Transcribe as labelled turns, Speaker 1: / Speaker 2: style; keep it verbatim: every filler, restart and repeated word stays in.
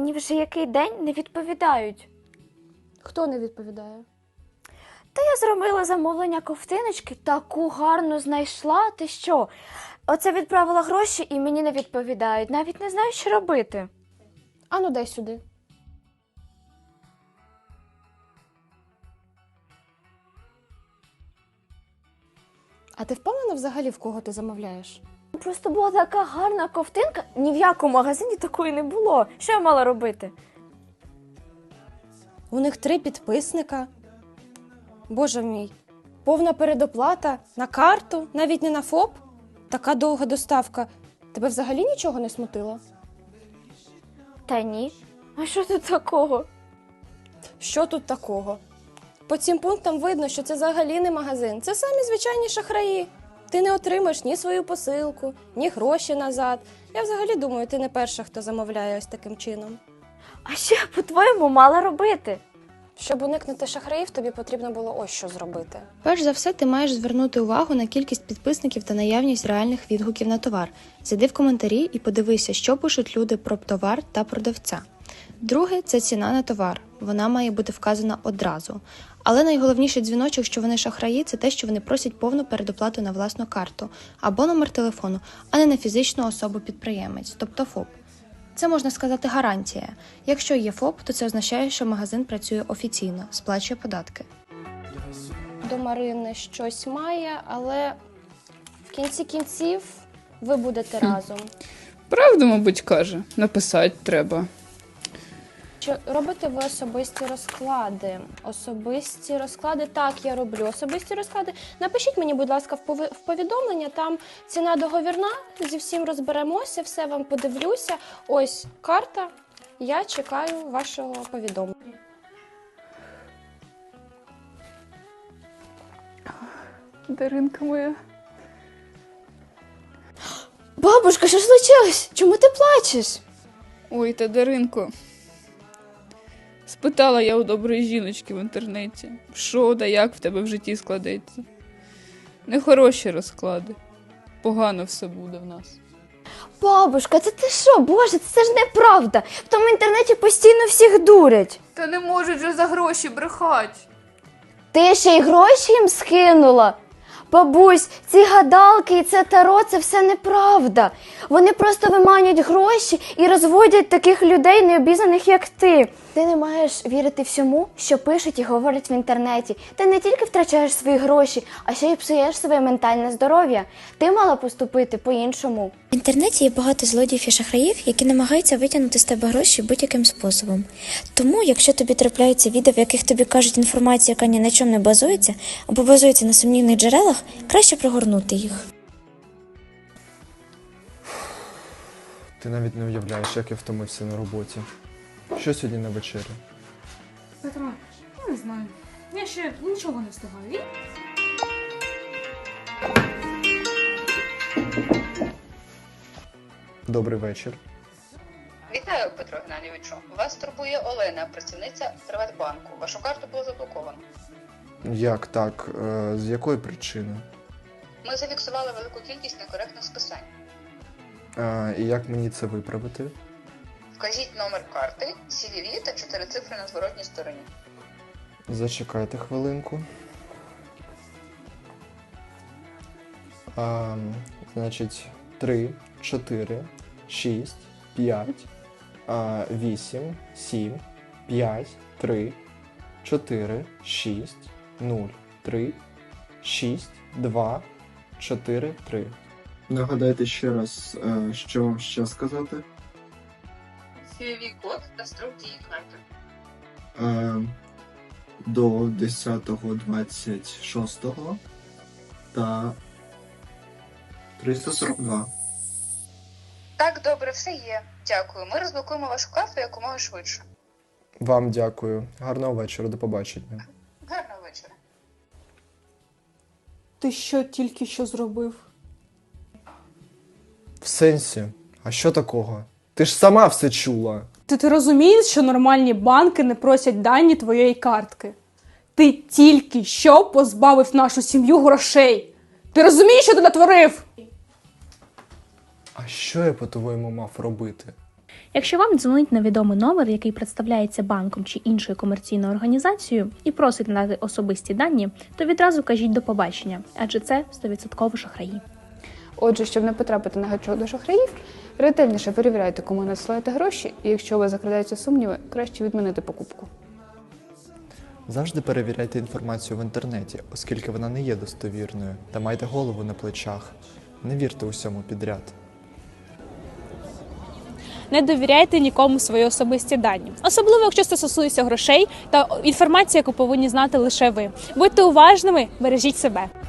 Speaker 1: мені вже який день не відповідають.
Speaker 2: Хто не відповідає?
Speaker 1: Та я зробила замовлення ковтиночки, таку гарну знайшла, ти що? Оце відправила гроші і мені не відповідають, навіть не знаю, що робити.
Speaker 2: Ану, дай сюди. А ти впевнена взагалі, в кого ти замовляєш?
Speaker 1: Просто була така гарна ковтинка, ні в якому магазині такої не було. Що я мала робити?
Speaker 2: У них три підписника. Боже мій, повна передоплата на карту, навіть не на ФОП. Така довга доставка. Тебе взагалі нічого не смутило?
Speaker 1: Та ні. А що тут такого?
Speaker 2: Що тут такого? По цим пунктам видно, що це взагалі не магазин. Це самі звичайні шахраї. Ти не отримаєш ні свою посилку, ні гроші назад. Я взагалі думаю, ти не перша, хто замовляє ось таким чином.
Speaker 1: А що я, по-твоєму, мала робити?
Speaker 2: Щоб уникнути шахраїв, тобі потрібно було ось що зробити.
Speaker 3: Перш за все, ти маєш звернути увагу на кількість підписників та наявність реальних відгуків на товар. Зайди в коментарі і подивися, що пишуть люди про товар та продавця. Друге – це ціна на товар. Вона має бути вказана одразу. Але найголовніший дзвіночок, що вони шахраї, це те, що вони просять повну передоплату на власну карту або номер телефону, а не на фізичну особу-підприємець, тобто ФОП. Це, можна сказати, гарантія. Якщо є ФОП, то це означає, що магазин працює офіційно, сплачує податки.
Speaker 2: До Марини щось має, але в кінці кінців ви будете
Speaker 4: Хм.
Speaker 2: разом.
Speaker 4: Правду, мабуть, каже. Написати треба.
Speaker 2: Чи робите ви особисті розклади? Особисті розклади? Так, я роблю особисті розклади. Напишіть мені, будь ласка, в пови- в повідомлення, там ціна договірна, зі всім розберемося, все вам подивлюся. Ось карта, я чекаю вашого повідомлення.
Speaker 4: Даринка моя.
Speaker 1: Бабушка, що случилось? Чому ти плачеш?
Speaker 4: Ой, та Даринко. Спитала я у доброї жіночки в інтернеті, що да як в тебе в житті складеться. Нехороші розклади. Погано все буде в нас.
Speaker 1: Бабушка, це ти що? Боже, це ж неправда. В тому інтернеті постійно всіх дурять.
Speaker 4: Та не можуть же за гроші брехати.
Speaker 1: Ти ще й гроші їм скинула? Бабусь, ці гадалки і це таро – це все неправда. Вони просто виманюють гроші і розводять таких людей необізнаних, як ти. Ти не маєш вірити всьому, що пишуть і говорять в інтернеті. Ти не тільки втрачаєш свої гроші, а ще й псуєш своє ментальне здоров'я. Ти мала поступити по-іншому.
Speaker 5: В інтернеті є багато злодіїв і шахраїв, які намагаються витягнути з тебе гроші будь-яким способом. Тому, якщо тобі трапляються відео, в яких тобі кажуть інформацію, яка ні на чому не базується, або базується на сумнівних джерелах, краще пригорнути їх.
Speaker 6: Ти навіть не уявляєш, як я втомився на роботі. Що сьогодні на вечері?
Speaker 7: Петро, я не знаю. Я ще нічого не встигаю.
Speaker 6: Добрий вечір.
Speaker 8: Вітаю, Петро Геннадійовичу. Вас турбує Олена, працівниця Приватбанку. Вашу карту було заблоковано.
Speaker 6: Як так? Е, З якої причини?
Speaker 8: Ми зафіксували велику кількість некоректних списань.
Speaker 6: Е, І як мені це виправити?
Speaker 8: Вкажіть номер карти, сі ві ві та чотири цифри на зворотній стороні.
Speaker 6: Зачекайте хвилинку. А, значить, три, чотири, шість, п'ять, вісім, сім, п'ять, три, чотири, шість, нуль, три, шість, два, чотири, три.
Speaker 9: Нагадайте ще раз, е, що вам ще сказати.
Speaker 8: сі ві ві-код та строк дії карти.
Speaker 9: Е, До десятого двадцять шостого та триста сорок два.
Speaker 8: Так, добре, все є. Дякую. Ми розблокуємо вашу карту якомога швидше.
Speaker 6: Вам дякую. Гарного вечора, до побачення.
Speaker 8: Гарного вечора.
Speaker 2: Ти що тільки що зробив?
Speaker 6: В сенсі? А що такого? Ти ж сама все чула.
Speaker 10: Ти, ти розумієш, що нормальні банки не просять дані твоєї картки? Ти тільки що позбавив нашу сім'ю грошей. Ти розумієш, що ти натворив?
Speaker 6: А що я, по-твоєму, мав робити?
Speaker 11: Якщо вам дзвонить невідомий номер, який представляється банком чи іншою комерційною організацією і просить надати особисті дані, то відразу кажіть до побачення, адже це сто відсотків шахраї.
Speaker 4: Отже, щоб не потрапити на гачок до шахраїв, ретельніше перевіряйте, кому надсилаєте гроші, і якщо у вас закрадаються сумніви, краще відмінити покупку.
Speaker 6: Завжди перевіряйте інформацію в інтернеті, оскільки вона не є достовірною, та майте голову на плечах. Не вірте усьому підряд.
Speaker 10: Не довіряйте нікому свої особисті дані. Особливо, якщо це стосується грошей та інформації, яку повинні знати лише ви. Будьте уважними, бережіть себе.